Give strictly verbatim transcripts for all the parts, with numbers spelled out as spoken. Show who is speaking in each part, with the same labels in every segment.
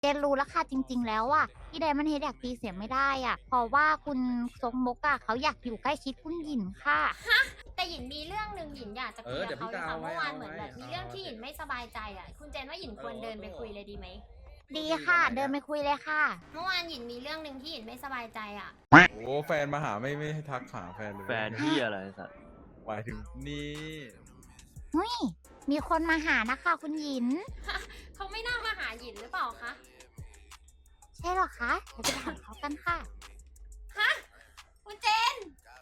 Speaker 1: เจนรู้แล้วค่ะจริงๆแล้วอ่ะที่ไดมอนด์เฮดอยากตีเสียไม่ได้อ่ะเพราะว่าคุณซกมกอ่ะเขาอยากอยู่ใกล้ชิดคุณหยินค่ะ
Speaker 2: แต่หยินมีเรื่องหนึ่งหยินอยากจะคุยกับเขาเลยค่ะเมื่อวานเหมือนแบบมีเรื่องที่หยินไม่สบายใจอ่ะคุณเจนว่าหยินควรเดินไปคุยเลยดีไหม
Speaker 1: ดีค่ะเดินไปคุยเลยค่ะ
Speaker 2: เมื่อวานหยินมีเรื่องหนึ่งที่หยินไม่สบายใจอ่ะ
Speaker 3: โอ้แฟนมาหาไม่ไม่ให้ทักหาแฟนเลย
Speaker 4: แฟนที่อะไรสัตว์
Speaker 3: หมายถึงนี่
Speaker 1: เฮ้ยมีคนมาหานะคะคุณหยิน
Speaker 2: เขาไม่น่ามาหาหยินหรือเปล่าคะ
Speaker 1: ใช่หรอคะเดี๋ยวไปถามเขากันค่ะ
Speaker 2: ฮะคุณเจน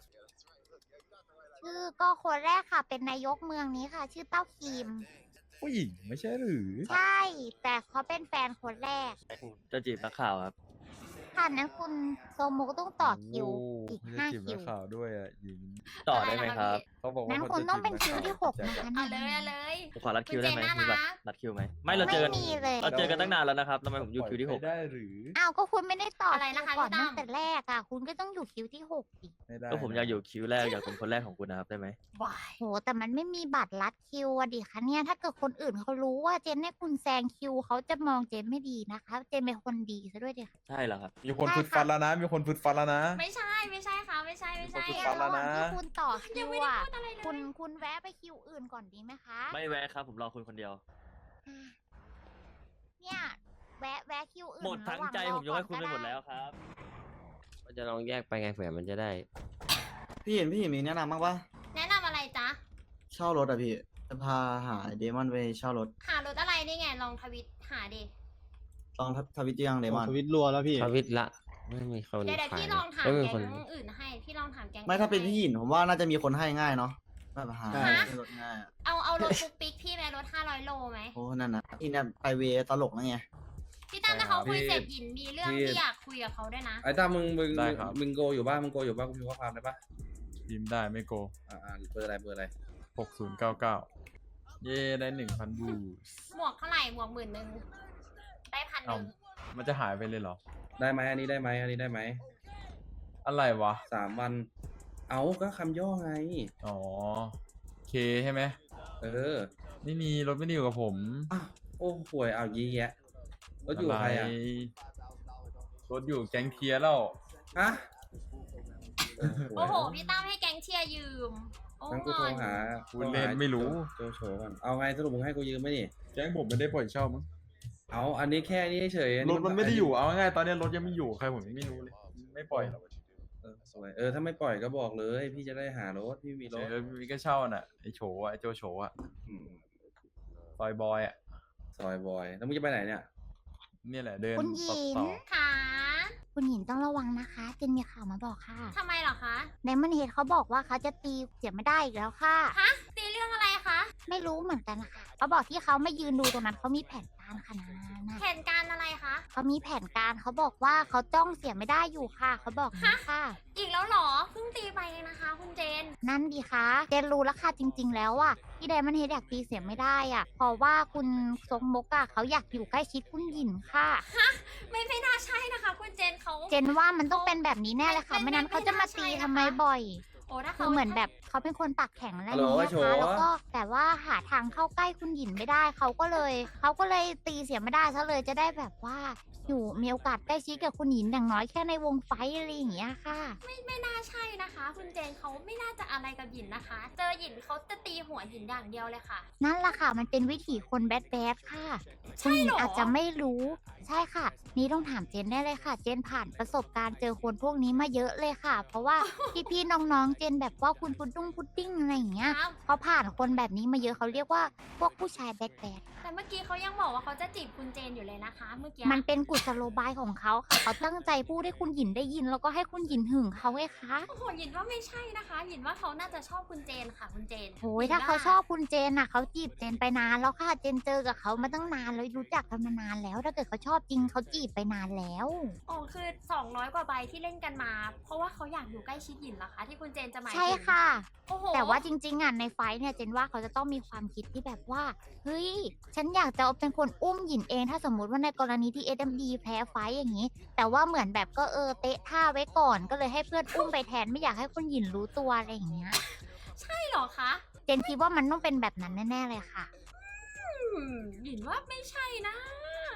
Speaker 1: ชื่อก็คนแรกค่ะเป็นนายกเมืองนี้ค่ะ ชื่อเต้าคิม
Speaker 3: ผู้หญิงไม่ใช่หรือ
Speaker 1: ใช่ แต่เขาเป็นแฟนคนแรก
Speaker 4: จะจีบนักข่าวครับ
Speaker 1: ค่ะนั้นคุณโซมุกต้องต่อคิว
Speaker 3: โ
Speaker 1: อีก
Speaker 3: ไม่
Speaker 1: ห้า
Speaker 3: ได้จีบ
Speaker 1: คิ
Speaker 3: นั
Speaker 1: ว
Speaker 3: กข่าวด้วยอ่ะหญิง
Speaker 4: ต่อได้ไหมครับ
Speaker 3: เขาบอกว่า
Speaker 1: นั้น
Speaker 3: เขา
Speaker 1: คุณ
Speaker 3: จะ
Speaker 1: ต้องเป็น
Speaker 3: จี
Speaker 1: คิ
Speaker 3: บ
Speaker 1: ว
Speaker 3: นัก
Speaker 1: ที่ห
Speaker 3: ข่าว
Speaker 1: กนะคะ
Speaker 2: เอาเลยเอาเลย
Speaker 4: ผมขอรัดคิวได้ไหม
Speaker 2: คุณเจน
Speaker 4: มีบัตร
Speaker 2: น่ารัก
Speaker 4: รัดคิวไหมไม่เราเจอกัน
Speaker 1: ไม่มีเลย
Speaker 4: เราเจอกันตั้งนานแล้วนะครับทำไมผมอยู่คิวที่หก
Speaker 3: ไม่ได้หรือ
Speaker 1: อ้าวก็คุณไม่ได้ต่อ
Speaker 2: อะไร
Speaker 1: คิว
Speaker 2: นะคะ
Speaker 1: ก่อน
Speaker 2: พี่ตั้
Speaker 1: ตั้
Speaker 2: ม
Speaker 1: งแต่แรกอ่ะ คุณก็ต้องอยู่คิวที่หกอีก
Speaker 3: ไม่ได้
Speaker 4: ก็ผมอยากอยู่คิวแรกอยากเป็นคนแรกของคุณนะครับได้ไหม
Speaker 2: วาย
Speaker 1: โหแต่มันไม่มีบัตรลัดคิวอะดิคะเนี่ยถ้าเกิดคนอื่นเขารู้ว่าเจนให้คุณแซงคิวเขาจะมองเจนไม่ดีนะคะ เจนเป็นคนดีซะด้วยดิค่ะ
Speaker 4: ใช่เหรอครับ
Speaker 3: มีคนฟึดฟันแล้วนะ มีคนฟึดฟันแล้วนะ
Speaker 2: ไม่ใช่ไม่ใช่ค่ะไม่ใช่ไม่ใช่
Speaker 3: ขอบคุณ
Speaker 1: เนี่ย
Speaker 3: ครับ
Speaker 1: ระหว่างที่คุณต่อคิ
Speaker 2: ยัง
Speaker 1: ว
Speaker 2: ไม่ได้
Speaker 1: อ่ะ
Speaker 2: พูดอะไรเลย
Speaker 1: คุณคุณแวะไปคิวอื่นก่อนดีไหมคะ
Speaker 4: ไม่แวะครับผมรอคุณคนเดียว
Speaker 1: อ่ะเนี่ยแวะแวะคิวอื่น
Speaker 4: หมดทั้งใจ
Speaker 1: ระห
Speaker 4: ผ
Speaker 1: ว่าม
Speaker 4: ยกให้คุณไป
Speaker 1: รอ
Speaker 4: หม
Speaker 1: ก่อน
Speaker 4: ดแล้วครับ
Speaker 5: มันจะลองแยกไปไงเผื่อมันจะได้
Speaker 6: พี่เห็นพี่เห็นมีแนะนำบ้างปะ
Speaker 2: แนะนำอะไรจ๊ะ
Speaker 6: เช่ารถอะพี่จะพาหาเดมอนไปเช่ารถ
Speaker 2: หารถอะไรนี่ไงลองทวิตหาดิ
Speaker 6: ลองทวิตยังเดมอน
Speaker 7: ทวิตรัวแล้วพี่
Speaker 5: ทวิตละ ไม่มีคน
Speaker 2: เดี๋ยวเดี๋ยว
Speaker 5: ขาย
Speaker 2: พี่ลองถาม
Speaker 5: ไม่มี
Speaker 2: แก๊
Speaker 5: คน
Speaker 2: งอื่นให้พี่ลองถามแก๊ง
Speaker 6: ไม่ถ้าเป็น
Speaker 2: อื่
Speaker 6: พี่หยินผมว่าน่าจะมีคนให้ง่ายเนาะแบบหา
Speaker 7: ใช่
Speaker 6: ให้รถง่ายอะ
Speaker 2: เอาเอารถปุ๊กปิ๊กพี่ไหมรถห้าร้อยโลไหม
Speaker 6: โอ้นั่นนะพี่เนี่ยไปเวตลกนะไง
Speaker 2: พี่ตั้มถ้าเขาคุย
Speaker 3: พี่
Speaker 2: เสร็จหยินมีเรื่อง
Speaker 8: พี่
Speaker 2: ที่อยากคุยกับเขาด้วยนะ
Speaker 8: ไอ้ตามึงมึง
Speaker 3: ได้ครับ
Speaker 8: มึงโกอยู่บ้านมึงโกอยู่บ้านกูพิมพ์ข้อความได้ปะ
Speaker 3: พิมพ์ได้ไม่โก
Speaker 8: อ่าอ่าเบอร์อะไรเบอร์อะไร
Speaker 3: หกศูนย์เก้าเก้าเย่ได้หนึ่งพันบูส
Speaker 2: หมวกเท่าไหร่หมวกหมื่นหนึ่งได้พันห
Speaker 3: เอ้า
Speaker 2: นึ่ง
Speaker 3: มันจะหายไปเลยเหรอ
Speaker 8: ได้ไหมอันนี้ได้ไหมอันนี้ได้ไหม
Speaker 3: อะไรวะ
Speaker 8: สามวัน เอาก็คำย่อไง
Speaker 3: อ๋อเคใช่ไหม
Speaker 8: เออ
Speaker 3: ไม่มีรถไม่ได้อยู่กับผม
Speaker 8: อ้าวโอ้ห่วยเอายี่แยะรถอยู่กับใครอ่ะ
Speaker 3: รถอยู่แก๊งเทียร์แล้ว
Speaker 8: ฮะ
Speaker 2: โอ้โหพี่ตั้มให้แก๊งเชียร์ยืมโอ้
Speaker 8: งั้นกู
Speaker 2: ง
Speaker 8: โทร
Speaker 2: อน
Speaker 8: หา
Speaker 3: กูเล่นไม่รู้
Speaker 8: โจโฉก่อนเอาไงสรุปมึงให้กูยืมไหมนี่
Speaker 3: แก๊งผมไม่ได้ปล่อยเช่ามั้ง
Speaker 8: เอาอันนี้แค่นี้เฉยอั
Speaker 3: รถมันไม่ได้อยู่ เอาง่ายๆตอนนี้รถยังไม่อยู่ใครผมยังไม่รู้เลย ไม่ปล่อยหรอก
Speaker 8: เออสวยเออถ้าไม่ปล่อยก็บอกเลย พี่จะได้หารถพี่มีรถ
Speaker 3: เออมีก็เช่าน่ะไอโฉอะไอโจโฉอะ
Speaker 8: อืม
Speaker 3: ซอยบอยอะ
Speaker 8: ซอยบอยแล้วมึงจะไปไหนเนี่ย
Speaker 3: เนี่ยแหละเดิน
Speaker 1: คุณหญิ
Speaker 3: ต่อง ต่อ
Speaker 2: ค่ะ
Speaker 1: คุณหญินต้องระวังนะคะ เจนมีข่าวมาบอกค่ะ
Speaker 2: ทำไมเหรอคะ
Speaker 1: ไดมอนด์เฮดเขาบอกว่าเขาจะตีเสียไม่ได้อีกแล้วค่ะ
Speaker 2: ฮะตีเรื่องอะไรคะ
Speaker 1: ไม่รู้เหมือนกันนะคะเขาบอกที่เขาไม่ยืนดูตรงนั้นเขามีแผนการค่ะนะนะ
Speaker 2: แผนการอะไรคะ
Speaker 1: เขามีแผนการเขาบอกว่าเขาจ้องเสียไม่ได้อยู่ค่ะเขาบอกนะค่ะ
Speaker 2: อีกแล้วเหรอเพิ่งตีไปเองนะคะ คุณเจน
Speaker 1: นั่นดีคะเจนรู้แล้วค่ะจริง ๆ แล้วอ่ะที่ไดมอนด์เฮดอยากตีเสียไม่ได้อ่ะเพราะว่าคุณซกมกอ่ะเขาอยากอยู่ใกล้ชิดคุณหยินค่ะ
Speaker 2: ไม่ไม่น่าใช่นะคะ คุณเจนเขา
Speaker 1: เจนว่ามันต้องเป็นแบบนี้แน่เลยค่ะ
Speaker 2: ไม่
Speaker 1: ไม่นั้น
Speaker 2: ไม่
Speaker 1: เขาจะมา
Speaker 2: ไม่น่าใช่
Speaker 1: ตี
Speaker 2: นะคะ
Speaker 1: ทำไมบ่อย
Speaker 2: โอ้ถ้า
Speaker 1: คื
Speaker 2: เขา
Speaker 1: อเหมือนแบบเขาเป็นคนปากแข็งอะไรอย่าง
Speaker 8: ฮัลโหล
Speaker 1: เงี้ย
Speaker 8: โฉ
Speaker 1: ค่ะแล้วก็แต่ว่าหาทางเข้าใกล้คุณหยินไม่ได้เขาก็เลยเขาก็เลยตีเสียไม่ได้ซะเลยจะได้แบบว่าอยู่มีโอกาสใกล้ชิดกับคุณหยินอย่างน้อยแค่ในวงไฟท์อะไรอย่างเงี้ยค่ะ
Speaker 2: ไม่ไม่น่าใช่นะคะ คุณเจนเขาไม่น่าจะอะไรกับหยินนะคะ เจอหยินเขาจะตีหัวหยินอย่างเดียวเลยค่ะ
Speaker 1: นั่นแหละค่ะ มันเป็นวิถีคนแบดแบดค่ะ
Speaker 2: ใช่
Speaker 1: คุณหญิ
Speaker 2: เหรง อ
Speaker 1: อาจจะไม่รู้ ใช่ค่ะ นี่ต้องถามเจนได้เลยค่ะ เจนผ่านประสบการณ์เจอคนพวกนี้มาเยอะเลยค่ะ เพราะว่า พี่ๆน้องๆ เจนแบบว่าคุณพุดดุ้งพุดดิ้งอะไรอย่างเงี้ย
Speaker 2: ครับ
Speaker 1: เขาผ่านคนแบบนี้มาเยอะเขาเรียกว่าพวกผู้ชายแบดแบด
Speaker 2: แต่เมื่อกี้เขายังบอกว่าเขาจะจีบคุณเจนอยู่เลยนะคะ เมื่อกี้
Speaker 1: มันเป็นกุศโลบายของเขาค่ะ เขาตั้งใจพูดให้คุณหยินได้ยิน แล้วก็ให้คุณหยินหึงเขาไงคะ
Speaker 2: โอ้โหหยินว่าไม่ใช่นะคะ หยินว่าเขาน่าจะชอบคุณเจนค่ะ คุณเจน
Speaker 1: โอ้ยถ้าเขาชอบคุณเจนน่ะเขาจีบเจนไปนานแล้วค่ะ เจนเจอกับเขามาตั้งนานแล้วรู้จักกันมานานแล้ว ถ้าเกิดเขาชอบจริงเขาจีบไปนานแล้ว
Speaker 2: อ๋อคือสองร้อยกว่าใบที่เล่นกันมา เพราะว่าเขาอยากอยู่ใกล้ชิดหยินเหรอคะ ที่คุณเจนจะหมายถึง
Speaker 1: ใช่ค่ะ
Speaker 2: โอ้โห
Speaker 1: แต่ว่าจริงๆอ่ะในไฟท์เนี่ยเจนว่าเขาจะต้องมีความคิดที่แบบว่าเฮ้ยฉันอยากจะเป็นคนอุ้มหยินเองถ้าสมมุติว่าในกรณีที่ เอส เอ็ม ดี แพ้ไฟท์อย่างนี้ แต่ว่าเหมือนแบบก็เออเตะท่าไว้ก่อน ก็เลยให้เพื่อนอุ้มไปแทนไม่อยากให้คุณหยินรู้ตัวอะไรอย่างเงี้ย
Speaker 2: ใช่เหรอคะ
Speaker 1: เจนคิดว่ามันต้องเป็นแบบนั้นแน่ๆเลยค่ะ
Speaker 2: อืมหยินว่าไม่ใช่นะ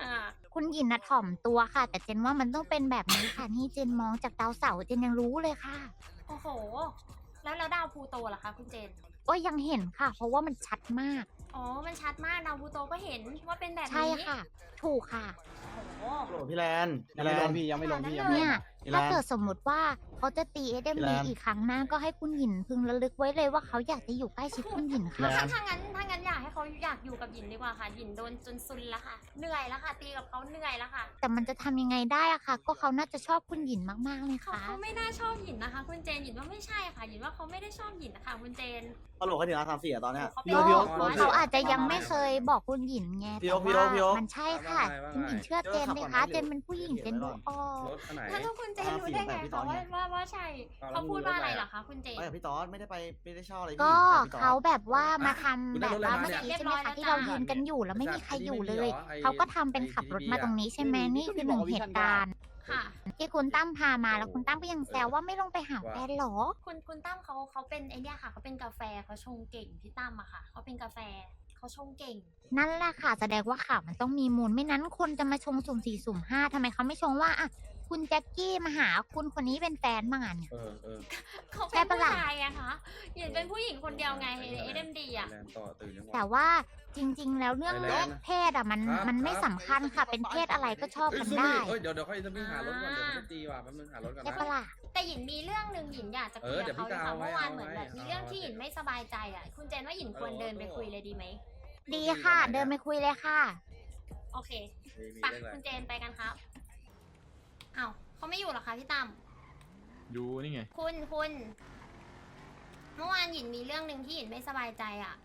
Speaker 1: คุณหยินนะถ่อมตัวค่ะ แต่เจนว่ามันต้องเป็นแบบนี้ค่ะนี่เจนมองจากดาวเสาร์เจนยังรู้เลยค่ะ
Speaker 2: โอ้โห แล้วแล้วดาวพลูโตล่ะคะคุณเจน
Speaker 1: ก็ยังเห็นค่ะ เพราะว่ามันชัดมาก
Speaker 2: อ๋อ มันชัดมากดาวพลูโตก็เห็นว่าเป็นแบบนี้
Speaker 1: ใช่ค่ะ ถูกค่ะ
Speaker 2: โอ้โห
Speaker 6: โหลพี่แลน
Speaker 7: ยังไม่ลงพี่ยังไม่ลงพี่ยังไม่ล
Speaker 1: เนี่
Speaker 7: ง
Speaker 1: ย
Speaker 6: อีแลน
Speaker 1: ถ้าเกิดสมมติว่าเขาจะตีเอเดม
Speaker 6: อีแล
Speaker 1: ดี
Speaker 6: น
Speaker 1: อีกครั้งหน้าก็ให้คุณหยินพึงระลึกไว้เลยว่าเขาอยากจะอยู่ใกล้ชิดคุณหยินค่ะ
Speaker 2: ถ้าถ้างั้นถ้างั้นอยากให้เขาอยากอยู่กับหยินดีกว่าค่ะหยินโดนจนซุนแล้วค่ะ เหนื่อยแล้วค่ะ ตีกับเขาเหนื่อยแล้วค่ะ
Speaker 1: แต่มันจะทำยังไงได้อะค่ะ ก็เขาน่าจะชอบคุณหยินมากๆเลย
Speaker 2: เขา
Speaker 1: ค่ะ
Speaker 2: เขาไม่น่าชอบหยินนะคะ คุณเจนหยินว่าไม่ใช่ค่ะหยินว่าเขาไม่ได้ชอบหยินนะคะคุณเจน
Speaker 6: ฮัลโหลเขาถึงอาร์สามสี่อะตอนเนี้ย
Speaker 2: เขา
Speaker 6: พี่
Speaker 2: ป็
Speaker 6: โอ๊
Speaker 2: น
Speaker 6: คพี่โอ๊ค
Speaker 1: เขาอาจจะยังไม่เคยบอกคุณหยินไง
Speaker 6: พี่
Speaker 1: แต่
Speaker 6: โอ๊คพี่โอ๊
Speaker 1: ว่า
Speaker 6: คพี่โอ๊ค
Speaker 1: มันใช่ค่ะ คุณหยินเชื่อเจนเลยค่ะ เจนเป็นผู้หญิงเจนดูออก
Speaker 8: รถคันไหน
Speaker 2: แล้วคุณเจนรู้ได้ไงคะว่าว่าว่าใช่
Speaker 8: เอาแล้ว
Speaker 2: เขาพูดว่าอะไร
Speaker 8: รู้ได้ไง
Speaker 2: เหรอคะคุณเจน
Speaker 6: ไปกับพี่ตอสไม่ได้ไปไม่ได้เช่าอะไรพี่
Speaker 1: ก็
Speaker 6: ไปบพี่ตอส
Speaker 1: เขาแบบว่ามาทำ
Speaker 8: คุณ
Speaker 1: แบ
Speaker 8: ได้
Speaker 1: บ
Speaker 8: รถอะไร
Speaker 1: ว่า
Speaker 8: มา
Speaker 1: เมื่อ
Speaker 8: เนี่ย
Speaker 1: กี้ใช่ไหมคะที่เรายืนกันอยู่แล้วไม่มีใครอยู่เลย
Speaker 8: ไอ้
Speaker 1: เขาก็ทำเป็นขับรถมาตรงนี้ใช่ไหม
Speaker 7: ไอ้
Speaker 1: นี่คือหนึ่ง
Speaker 7: ที่
Speaker 1: เห
Speaker 7: บอกว่า
Speaker 1: ตุการณ์
Speaker 2: ค่ะ
Speaker 1: ที่คุณตั้มพามาแล้วคุณตั้มก็ยังแซวว่าไม่ลงไปหาแฟนเหรอ
Speaker 2: คุณคุณตั้มเขาเขาเป็นไอเนี้ยค่ะเขาเป็นกาแฟเขาชงเก่งพี่ตั้มอะค่ะเขาเป็นกาแฟเขาชงเก่ง
Speaker 1: นั่นแหละค่ะแสดงว่าข่าวมันต้องมีมูลไม่นั้นคนจะมาชงสุ่มสี่สุ่มห้าทำไมเขาไม่ชงว่าอ่ะคุณแจ็คกี้มาหาคุณคนนี้เป็นแฟนมาเนี่ย
Speaker 8: เออเออ
Speaker 2: เขา
Speaker 1: ใช่
Speaker 2: เป็น
Speaker 1: ปะ
Speaker 2: ผู้
Speaker 1: ล่ะ
Speaker 2: ชายอะคะหยินเป็นผู้หญิงคนเดียวไงเอเดมดีอะ
Speaker 8: แลนด์ต่อตื่นยังวะ
Speaker 1: แต่ว่าจริง ๆ แล้วเรื่อง
Speaker 8: ไปแล้วนะ
Speaker 1: เพศอ่ะมัน
Speaker 8: ครับ
Speaker 1: มันไม่
Speaker 8: ครับ
Speaker 1: สำคัญค่ะ เป็นเพศอะไรก็ชอบ
Speaker 8: เอ้ย
Speaker 1: กัน
Speaker 8: ซู
Speaker 1: ได้
Speaker 8: มี่เอ้ยเดี๋ยวเดี๋ยวค่อยจะมีหารถก่อนเดี๋ยวเขาจะตีว่ะแป๊บนึงหารถก่อน
Speaker 1: ใช่
Speaker 8: นะ
Speaker 1: ปะล่ะ
Speaker 2: แต่หยินมีเรื่องหนึ่งหยินอยากจะคุย
Speaker 8: เออเดี๋
Speaker 2: กับ
Speaker 8: ยว
Speaker 2: เขา
Speaker 8: พี่
Speaker 2: เลย
Speaker 8: กาว
Speaker 2: ค่ะ
Speaker 8: ไว้
Speaker 2: เมื่อวานเหมือนแบบ
Speaker 8: เอาไว้
Speaker 2: มีเรื่องที่หยินไม่สบายใจอะคุณเจนว่าหยินควรเดินไปคุยเลยดีไหม
Speaker 1: ดีค่ะ เดินไปคุยเลยค่ะ
Speaker 2: โอเค
Speaker 8: มีมี
Speaker 2: ไป
Speaker 8: เรื่องอะไร
Speaker 2: คุณเจนไปกันครับอ้าวเขาไม่อยู่เหรอคะพี่ตั้ม
Speaker 3: ดูนี่ไง
Speaker 2: คุณคุณเมื่อวานหยินมีเรื่องหนึ่งที่หยินไม่สบายใจอะ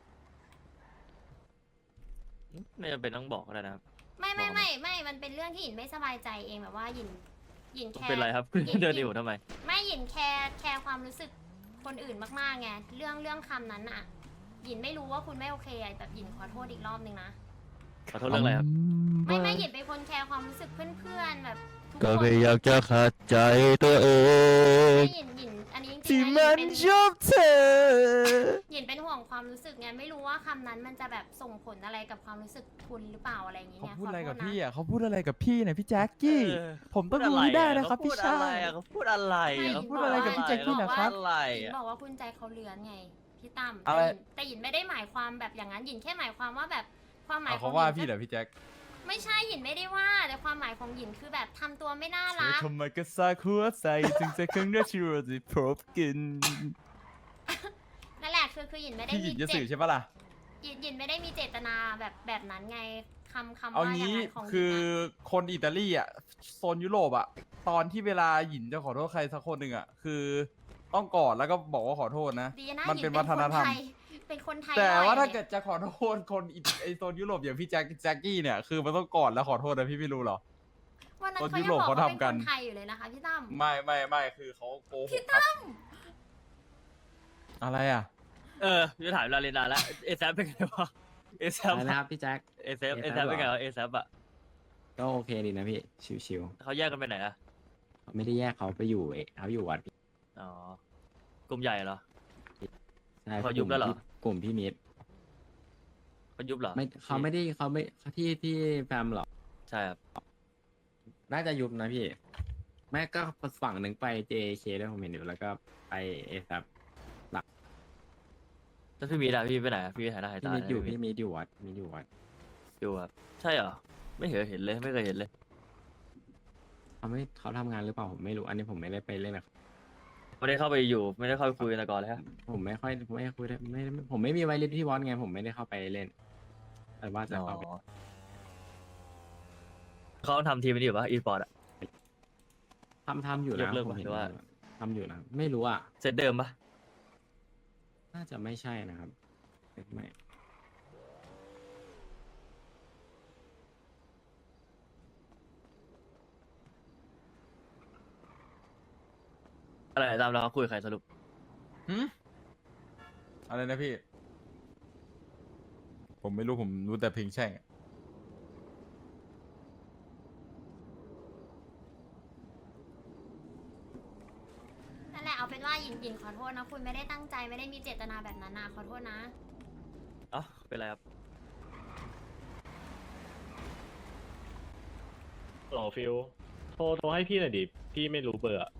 Speaker 4: ไม่จำเป็นต้องบอกก็ได้นะครับ
Speaker 2: ไม่ไม่
Speaker 4: บอกมา
Speaker 2: ไม่ไม่ มันเป็นเรื่องที่หยินไม่สบายใจเองแบบว่าหยินหยินแคร์
Speaker 4: เป็นไรครับ
Speaker 2: หยิน
Speaker 4: เดินอยู่ทำไม
Speaker 2: ไม่หยินแคร์แคร์ความรู้สึกคนอื่นมากๆไงเรื่องเรื่องคำนั้นอะหยินไม่รู้ว่าคุณไม่โอเคอะแบบหยินขอโทษอีกรอบนึงนะ
Speaker 4: ขอโทษเรื่องอะไรครับ
Speaker 2: ไม่ไม่หยินเป็นคนแคร์ความรู้สึกเพื่อนๆแบบทุก
Speaker 5: ก็
Speaker 2: คน
Speaker 5: ไม่อยากจะขัดใจตัวเอ
Speaker 2: ไม่
Speaker 5: ง
Speaker 2: หยินหยินอันนี้จริ
Speaker 5: ที่
Speaker 2: งๆนะ
Speaker 5: มัน
Speaker 2: หยิน
Speaker 5: ชอบเธอ
Speaker 2: หยินเป็นห่วงความรู้สึกไงไม่รู้ว่าคำนั้นมันจะแบบส่งผลอะไรกับความรู้สึกคุณหรือเปล่าอะไรอย่างเงี้ย
Speaker 9: เขา
Speaker 2: เนี่ย
Speaker 9: พูดอะไรกับ
Speaker 2: ขโทษน
Speaker 9: พี่อ่ะเขาพูดอะไรกับพี่เนี่ยพี่แจ็คกี้
Speaker 4: เออ
Speaker 9: ผมต้องรู้ให้ได้นะครับ
Speaker 4: เขา
Speaker 9: พี่
Speaker 4: พูด
Speaker 9: ชา
Speaker 4: อะไร
Speaker 9: ย
Speaker 4: อะเขาพูดอะไรอะเขา
Speaker 9: พูดอะไรกับพี่แจ็คกี้นะครับ
Speaker 4: อะไร
Speaker 2: หยิน
Speaker 4: อะ
Speaker 2: บอกว่าคุณใจเขาเลือนไงพี่ตั้ม
Speaker 9: อะ
Speaker 2: แต่
Speaker 9: ไร
Speaker 2: หยินแต่หยินไม่ได้หมายความแบบอย่างนั้นหยินแค่หมายความว่าแบบความหมาย
Speaker 9: เอา
Speaker 2: ขอ
Speaker 9: เขา
Speaker 2: ง
Speaker 9: ว่า
Speaker 2: หยิน
Speaker 9: พี่เหรอพี่แจ็ค
Speaker 2: ไม่ใช่หยินไม่ได้ว่า แต่ความหมายของหยินคือแบบทำตัวไม่น่า
Speaker 9: เธอ
Speaker 2: รัก
Speaker 9: ทำไมก็ซากหัวใจถึงจะครั้งแรกที่เราได้พบกัน
Speaker 2: นั่นแหละคือคือหยินไม่ได้
Speaker 9: พี่หยิ
Speaker 2: มี
Speaker 9: นจะ
Speaker 2: เจ
Speaker 9: สื่อ
Speaker 2: ต
Speaker 9: ใช่ปะล่ะ
Speaker 2: หยินหยินไม่ได้มีเจตนาแบบแบบนั้นไงคำคำ
Speaker 9: เอา
Speaker 2: ว่าอย่าง
Speaker 9: งี้
Speaker 2: นั้นของหยิน
Speaker 9: คือ
Speaker 2: อะ
Speaker 9: คนอิตาลีอ่ะโซนยุโรปอ่ะตอนที่เวลาหยินจะขอโทษใครสักคนหนึ่งอ่ะคือต้องกอดแล้วก็บอกว่าขอโทษนะ
Speaker 2: ดีนะ
Speaker 9: มัน
Speaker 2: หยิ
Speaker 9: เป็น
Speaker 2: เป็
Speaker 9: วัน ฒ
Speaker 2: คน
Speaker 9: นธรรม
Speaker 2: ไทยเป็นคนไทย
Speaker 9: แต่
Speaker 2: หน่อย
Speaker 9: ว่าถ้า
Speaker 2: ลย
Speaker 9: เกิดจะขอโทษคนอิไอโซนยุโรปอย่างพี่แจ็คแจ็คกี้เนี่ยคือมันต้องกอดแล้วขอโทษนะพี่ไม่รู้เหรอ
Speaker 2: วันนั้น
Speaker 9: คน
Speaker 2: เขา
Speaker 9: ยุ
Speaker 2: ยัง
Speaker 9: โรป
Speaker 2: บอก
Speaker 9: เขา
Speaker 2: ว่าเป็น
Speaker 9: ทำกั
Speaker 2: คน นไทยอยู่เลยนะคะพี่ตั้ม
Speaker 9: ไม่ไม่ไม่คือเขาโกหกครับอะไรอ่ะ
Speaker 4: เออจะถามลาเรนาแล้วเอซเป็นไงวะเอซ
Speaker 5: อะไรนะครับพี่แจ็ค
Speaker 4: เอซเอ
Speaker 5: เอ
Speaker 4: ซ
Speaker 5: แซป
Speaker 4: เป็นไง
Speaker 5: เหรอ
Speaker 4: วะเอซอะ
Speaker 5: ก็โอเคดีนะพี่ ชิว
Speaker 4: เขาแยกกันไปไหนอะ
Speaker 5: ๆเขาไม่ได้แยกเขาไปอยู่เอเขาอยู่วัด
Speaker 4: อ๋อกลุ่มใหญ่เหรอ
Speaker 5: ใช่
Speaker 4: เขายุบแล้วเหรอ
Speaker 5: กลุ่มพี่มิตร
Speaker 4: เขายุบเหรอ
Speaker 5: ไม่เขาไม่ได้เขาไม่ที่ที่แฟมหรอก
Speaker 4: ใช่ครับ
Speaker 5: น่าจะยุบนะพี่ แม่ก็ฝั่งหนึ่งไป เจ เค ด้วยผมเห็นอยู่แล้วก็ไปเอแซป
Speaker 4: แล้วพี่มีดอะพี่ไปไหนอะพี่ไปหายหน้าหาย
Speaker 5: พี่
Speaker 4: ตา
Speaker 5: มิตรอยู่
Speaker 4: ไหน
Speaker 5: พี่มิตรอยู่วัดมิตรอยู่วัด
Speaker 4: อยู่ครับใช่เหรอไม่เห็นเห็นเลยไม่เคยเห็นเลย
Speaker 5: เขาไม่เขาทำงานหรือเปล่าผมไม่รู้อันนี้ผมไม่ได้ไปเล่นนะครับ
Speaker 4: ไม่ได้เข้าไปอยู่ไม่ได้เข้าไปคุยกันแต่ก่อนเลยฮะ
Speaker 5: ผมไม่ค่อยไม่คุยได้ไม่ไม่ผมไม่มีไวเลสที่วอนไงผมไม่ได้เข้าไปเล่นแต่ว่าจะ
Speaker 4: อ๋อ
Speaker 5: เข้าไป
Speaker 4: เขาทำทีมนี้อยู่ปะอีสปอร์ตอะ
Speaker 5: ทำทำอยู่
Speaker 4: ย
Speaker 5: นะ
Speaker 4: กเลิก
Speaker 5: ผม
Speaker 4: ปะ
Speaker 5: เห็น
Speaker 4: หรือว่า
Speaker 5: อยู่ทำอยู่นะไม่รู้อ่ะ
Speaker 4: เซตเดิมปะ
Speaker 5: น่าจะไม่ใช่นะครับไม่
Speaker 4: อะไรตามเราเขาคุยกับใครสรุป
Speaker 9: หืมอะไรนะพี่ ผมไม่รู้ผมรู้แต่เพลงแช่งอะ
Speaker 2: นั่นแหละเอาเป็นว่าหยินหยินขอโทษนะคุณไม่ได้ตั้งใจไม่ได้มีเจตนาแบบนั้นนะขอโทษนะ
Speaker 4: อ๋อเป็นไรครับ
Speaker 7: หรอฟิลโทรโทรให้พี่หน่อยดิ พี่ไม่รู้เบอร์อะ